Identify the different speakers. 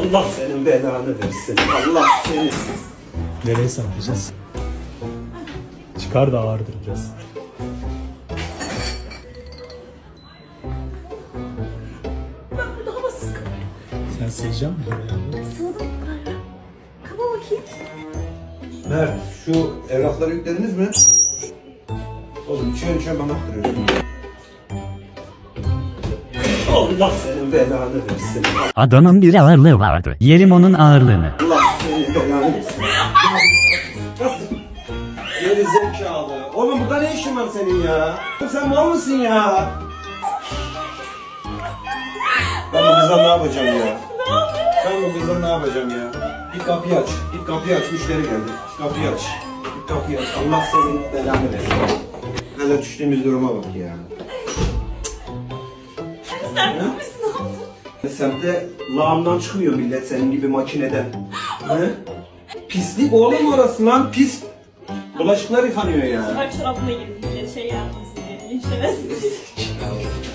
Speaker 1: Allah senin belanı versin. Allah seni.
Speaker 2: Nereye sarkacağız? Çıkar da ağırdır biraz.
Speaker 3: Ben burada havasız kalıyorum.
Speaker 2: Sen sığacak mısın buraya?
Speaker 3: Sığdım yukarı. Kaba bakayım.
Speaker 1: Mert, şu evrakları yüklediniz mi? Oğlum içiyorsun bana attırıyorsun. Allah senin belanı versin.
Speaker 4: Adamın bir ağırlığı vardı. Yerim onun ağırlığını.
Speaker 1: Allah senin belanı versin. Nasıl? Geri zekalı. Oğlum burada ne işin var senin ya? Sen mal mısın ya? Ben bu kızla ne yapacağım ya? Ben bu kızla ne yapacağım ya? Git kapıyı aç. Git kapıyı aç. Müşteri geldi. Git kapıyı aç. Git kapıyı aç. Allah senin belanı versin. Hele düştüğümüz duruma bak ya.
Speaker 3: Sen ne yapıyorsun?
Speaker 1: Semtte lağımdan çıkmıyor millet senin gibi makineden. He? Pislik oğlum orası lan pis. Bulaşıklar yıkanıyor ya.
Speaker 3: Her çorabına girdi. Şey yapmasın diye. Linçlemezsin.